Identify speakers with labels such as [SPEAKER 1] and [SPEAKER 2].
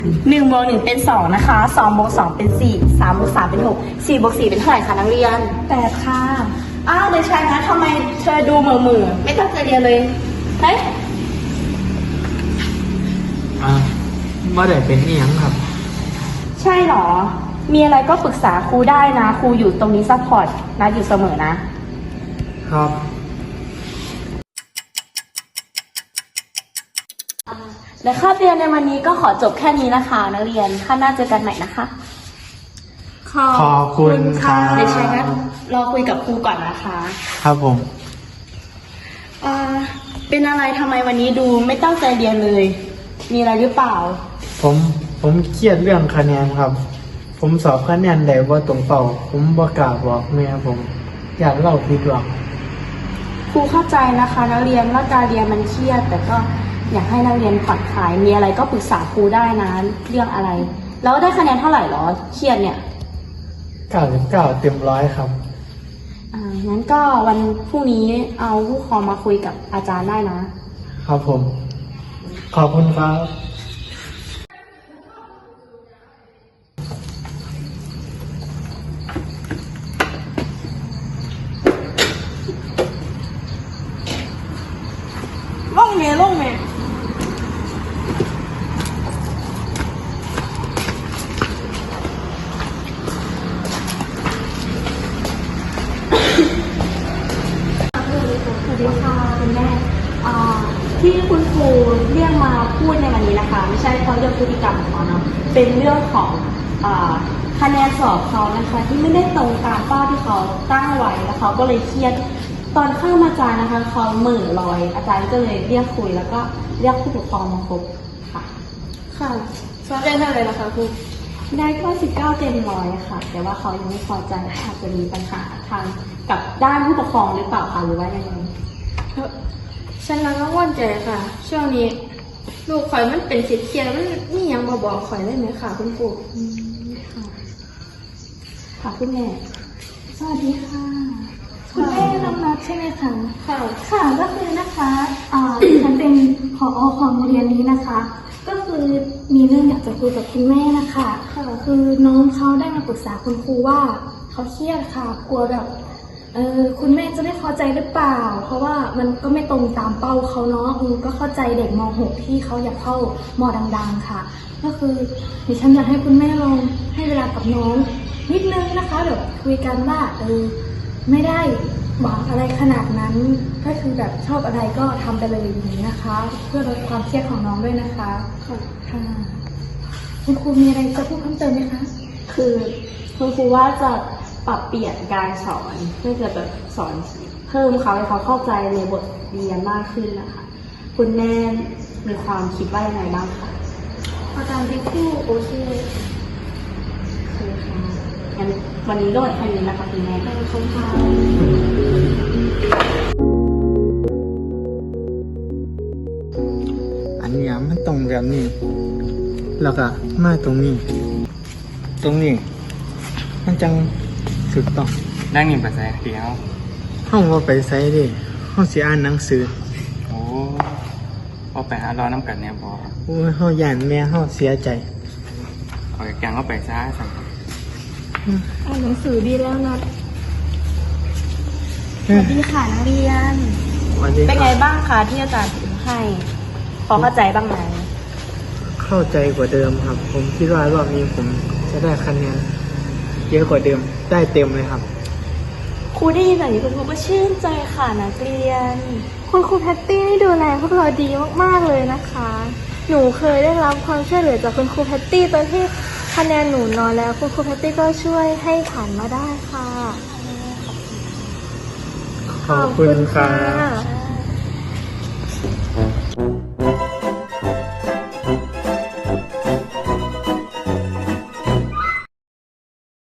[SPEAKER 1] 1+1เป็น2นะคะ2+2เป็น4 3+3เป็น6 4+4เป็นเท่าไหร่คะนักเรียน
[SPEAKER 2] 8ค่ะ
[SPEAKER 1] อ้าวเด็กชายนะทำไมเธอดูเหม่อๆไม่ตั้งใจเรียนเลยเฮ้ย
[SPEAKER 3] บ่ได้เป็นอีหยังครับ
[SPEAKER 1] ใช่เหรอมีอะไรก็ปรึกษาครูได้นะครูอยู่ตรงนี้ซัพพอร์ตนะอยู่เสมอนะครับ และคาบเรียนในวันนี้ก็ขอจบแค่นี้นะคะนักเรียนข้างหน้าเจอกันใหม่นะคะ
[SPEAKER 3] ขอบคุณค่ะ
[SPEAKER 1] เด็กชายนะรอคุยกับครูก่อนนะคะ
[SPEAKER 3] ครับผม
[SPEAKER 1] เป็นอะไรทำไมวันนี้ดูไม่ตั้งใจเรียนเลย มีอะไรหรือเปล่า
[SPEAKER 3] ผมเครียดเรื่องคะแนนครับ ผมสอบคะแนนได้บ่ตรงเป้าผมบ่กล้าบอกแม่ผมอยากเล่าผิดหวัง
[SPEAKER 1] ครูเข้าใจนะคะนักเรียนว่าการเรียนมันเครียดแต่ก็อยากให้นักเรียนผ่อนคลายมีอะไรก็ปรึกษาครูได้นะเรื่องอะไร แล้วได้คะแนนเท่าไหร่หรอเครียดเนี่ย
[SPEAKER 3] 99เต็ม100ครับ
[SPEAKER 1] งั้นก็วันพรุ่งนี้เอาผู้ปกครองมาคุยกับอาจารย์ได้นะครับ
[SPEAKER 3] ผมขอบคุณครับ
[SPEAKER 1] ล่องเมย์สวัสดีค่ะคุณแม่ที่คุณครูเรียกมาพูดในวันนี้นะคะไม่ใช่เพราะเรื่องพฤติกรรมของเขาเนาะเป็นเรื่องของคะแนนสอบเขานะคะที่ไม่ได้ตรงตามเป้าที่เขาตั้งไว้แล้วเขาก็เลยเครียดตอนเข้ามาอาจารย์นะคะเขาเหม่อลอยอาจารย์ก็เลยเรียกคุยแล้วก็เรียกผู้ปกครองมาพบค่ะ
[SPEAKER 2] สอบได้เท่าไหร่ล่ะคะครู
[SPEAKER 1] ได้ก็19เต็ม100ค่ะแต่ว่าเขายังไม่พอใจอาจจะมีปัญหาทางกับด้านผู้ปกครองหรือเปล่าคะหรือว่ายังไง
[SPEAKER 2] ฉันก็กังวลใจค่ะช่วงนี้ลูกข่อยมันเป็นเครียดมันนี่ยังบอกข่อยได้ไหมค่ะคุณครู
[SPEAKER 1] ค่ะคุณแม่
[SPEAKER 4] สวัสดีค่ะคุณแม่น้องนัทใช่ไหมคะค่ะก็คือนะคะฉันเป็นผอ.ของโรงเรียนนี้นะคะก็คือมีเรื่องอยากจะคุยกับคุณแม่นะคะคือน้องเขาได้มาปรึกษาคุณครูว่าเขาเครียดค่ะกลัวแบบคุณแม่จะไม่พอใจหรือเปล่าเพราะว่ามันก็ไม่ตรงตามเป้าเขาเนาะก็เข้าใจเด็กม.6 ที่เขาอยากเข้าม.ดังๆค่ะก็คือดิฉันอยากให้คุณแม่ลองให้เวลากับน้องนิดนึงนะคะแบบคุยกันว่าไม่ได้หวังอะไรขนาดนั้นก็คือแบบชอบอะไรก็ทำไปเลยอย่างนี้นะคะเพื่อลดความเครียดของน้องด้วยนะคะค่ะคุณครูมีอะไรจะพูดเพิ่มเติมไหมคะ
[SPEAKER 1] คือคุณครูว่าจะปรับเปลี่ยนการสอนเพื่อจะแบบสอนเพิ่มเขาให้เขาเข้าใจในบทเรียนมากขึ้นนะคะคุณแม่มีความคิดว่ายังไงบ้างคะ
[SPEAKER 2] อาจารย์เป็นครูโอเค
[SPEAKER 1] ค่ะงั้นวันนี้ก็หมดแค่นี้นะคะคุณแม่
[SPEAKER 2] ขอบคุณค่ะ
[SPEAKER 3] อันนี้มันตรงแบบนี้แล้วก็มาตรงนี้มันจังสุดต้อง
[SPEAKER 5] นั่งนิ่งไปใส่เดียว
[SPEAKER 3] ห้องว่าไปไซดิห้องสิอ่านหนังสือ
[SPEAKER 5] โอ้เอาไปหารอน้ำกันเนี่ยบอ
[SPEAKER 3] โอ้ยห้องย่านแม่ห้องเสียใจ
[SPEAKER 5] เอาแกงเข้าไปซ่าสั่ง
[SPEAKER 2] อ่านหนังสือดีแล้วนะ
[SPEAKER 1] สวัสดีค่ะนักเรียนเป็นไงบ้างคะที่อาจารย์ถือให้พอเข้าใจบ้างไหม
[SPEAKER 3] เข้าใจกว่าเดิมครับผมคิดว่ารอบนี้ผมจะได้คะแนนเยอะกว่าเดิมได้เต็มเลยครับ
[SPEAKER 1] ครูได้ยินแบบนี้คุณครูก็ชื่นใจค่ะนักเรียน
[SPEAKER 4] คุณครูแพตตี้นี่ดูแลพวกเราดีมากๆเลยนะคะหนูเคยได้รับความช่วยเหลือจากคุณครูแพตตี้ตอนที่คะแนนหนูน้อยแล้วคุณครูแพตตี้ก็ช่วยให้ผ่านมาได้ค่ะ
[SPEAKER 3] ขอบคุณค่ะ